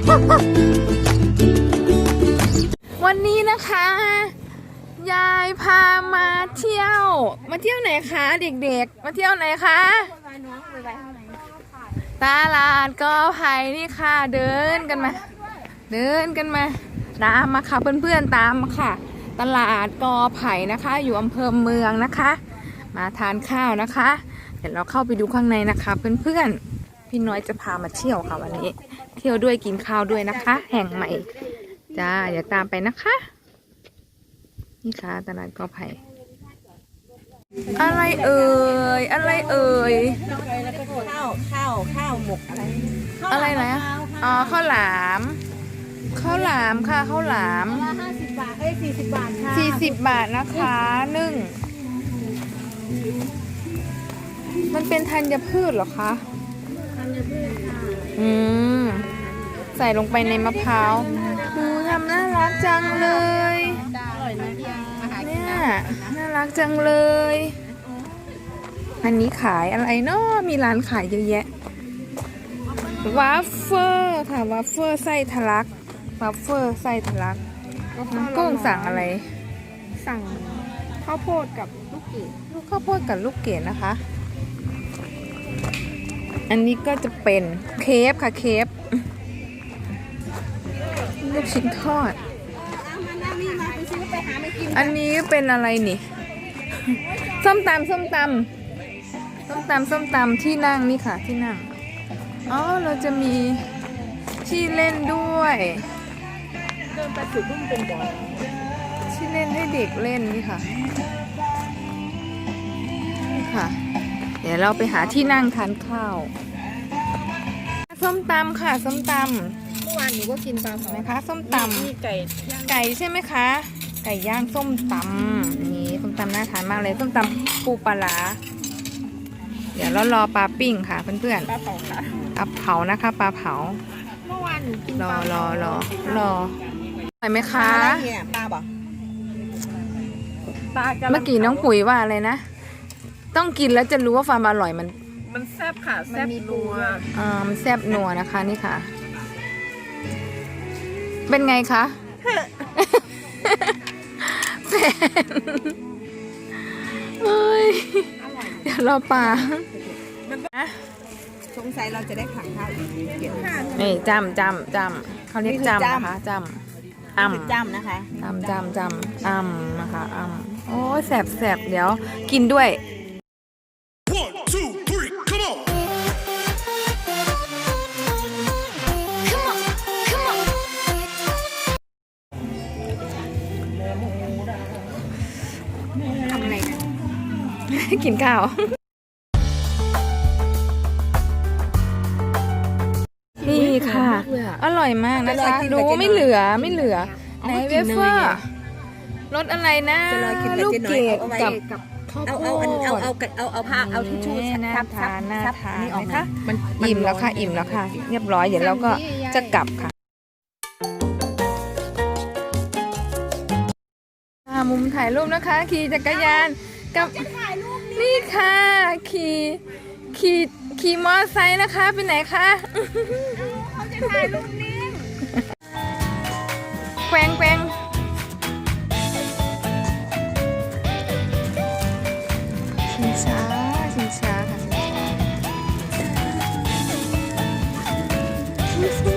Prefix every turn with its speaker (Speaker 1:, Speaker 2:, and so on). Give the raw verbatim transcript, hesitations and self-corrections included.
Speaker 1: วันนี้นะคะยายพามาเที่ยวมาเที่ยวไหนคะเด็กๆมาเที่ยวไหนคะตลาดกอไผ่นี่ค่ะเดินกันมาเดินกันมาตามมาค่ะเพื่อนๆตามมาค่ะตลาดกอไผ่นะคะอยู่อำเภอเมืองนะคะมาทานข้าวนะคะเดี๋ยวเราเข้าไปดูข้างในนะคะเพื่อนๆพี่น้อยจะพามาเที่ยวค่ะวันนี้เที่ยวด้วยกินข้าวด้วยนะคะแห่งใหม่จ้าเดี๋ยวตามไปนะคะนี่ค่ะตลาดกอไผ่อะไรเอ่ยอะไรเอ่ย
Speaker 2: ข้าวข้าวข้าวหมกอะไร
Speaker 1: อะไรนะอ๋อข้าวหลามข้าวหลามค่ะข้าวหลาม
Speaker 2: ห้าสิบบาทเอ้ยสี่สิบบาทค่ะ
Speaker 1: สี่สิบบาทนะคะนึ่งมันเป็นธัญพืชเหรอคะ
Speaker 2: ธัญพืชค่ะ
Speaker 1: อืมใส่ลงไปในมะพร้าวดูทำน่ารักจังเลยเนี่ยน่ารักจังเลยอันนี้ขายอะไรเนาะมีร้านขายเยอะแยะวาฟเฟอร์ค่ะวาฟเฟอร์ไส้ทะลักวาฟเฟอร์ไส้ทะลักน้องกุ้งสั่งอะไร
Speaker 2: สั่งข้าวโพดกับลูกเกด
Speaker 1: ลูกข้าวโพดกับลูกเกดนะคะอันนี้ก็จะเป็นเคฟค่ะเคฟลูกชิ้นทอดอันนี้เป็นอะไรนี่ส้มตำส้มตำส้มตำส้มตำที่นั่งนี่ค่ะที่นั่งอ๋อเราจะมีที่เล่นด้วย
Speaker 2: เดินไปสุดรุ่มเป็นบ่อ
Speaker 1: ที่เล่นให้เด็กเล่นนี่ค่ะนี่ค่ะเดี๋ยวเราไปหาที่นั่งทานข้าวส้มตำค่ะส้มตำ
Speaker 2: เมื่อวานหนูก็กินปลาไหม
Speaker 1: คะส้มตำ
Speaker 2: มีไก่
Speaker 1: ไก่ใช่ไหมคะไก่ย่างส้มตำนี่ส้มตำน่าทานมากเลยส้มตำปูปลาร้าเดี๋ยวเรารอปลาปิ้งค่ะเพื่อน
Speaker 2: ๆปลาเผาค่ะ
Speaker 1: ปลาเผานะคะปลาเผา
Speaker 2: เมื่อวานหนูกิน
Speaker 1: รอรอรอรออร่อยไหมคะ
Speaker 2: ปลาบ่
Speaker 1: ปลาเมื่อกี้น้องปุ๋ยว่าอะไรนะต้องกินแล้วจะรู้ว่าความอร่อยมัน
Speaker 2: มันแซ่บค่ะแซ่บนัว
Speaker 1: อ่ามันแซ่บนัวนะคะนี่ค่ะเป็นไงคะแฟนเฮ้ยเดี๋ยวรอปลา
Speaker 2: สงสัยเราจะได้ผักข้าวอีกเกี่ยวข้าว
Speaker 1: นี่จำจำจำเขาเรียกจำนะคะจำอ่ำ
Speaker 2: จำนะคะ
Speaker 1: จำจำจำอ่ำนะคะอ่ำโอ้แสบแสบเดี๋ยวกินด้วย
Speaker 2: ทำอะไรกัน
Speaker 1: กินข้าวนี่ค่ะอร่อยมากนะคะดูไม่เหลือไม่เหลือไหนเวเฟอร์รสอะไรนะลูกเกดกับข้าวโพด
Speaker 2: เอาเอาเอาเอาผ้าเอาทิชชู่
Speaker 1: น่าทานน่าทานนะคะอิ่มแล้วค่ะอิ่มแล้วค่ะเรียบร้อยเดี๋ยวเราก็จะกลับค่ะมุมถ่ายรูปนะคะขี่จักรยานกับนี่ค่ะขี่ขี่ขี่มอเตอร์ไซค์นะคะไปไหนคะ
Speaker 2: เขาจะถ่ายรูปนิ่ง
Speaker 1: แกว่งแกว่งชิงช้าชิงช้าค่ะชิงช้า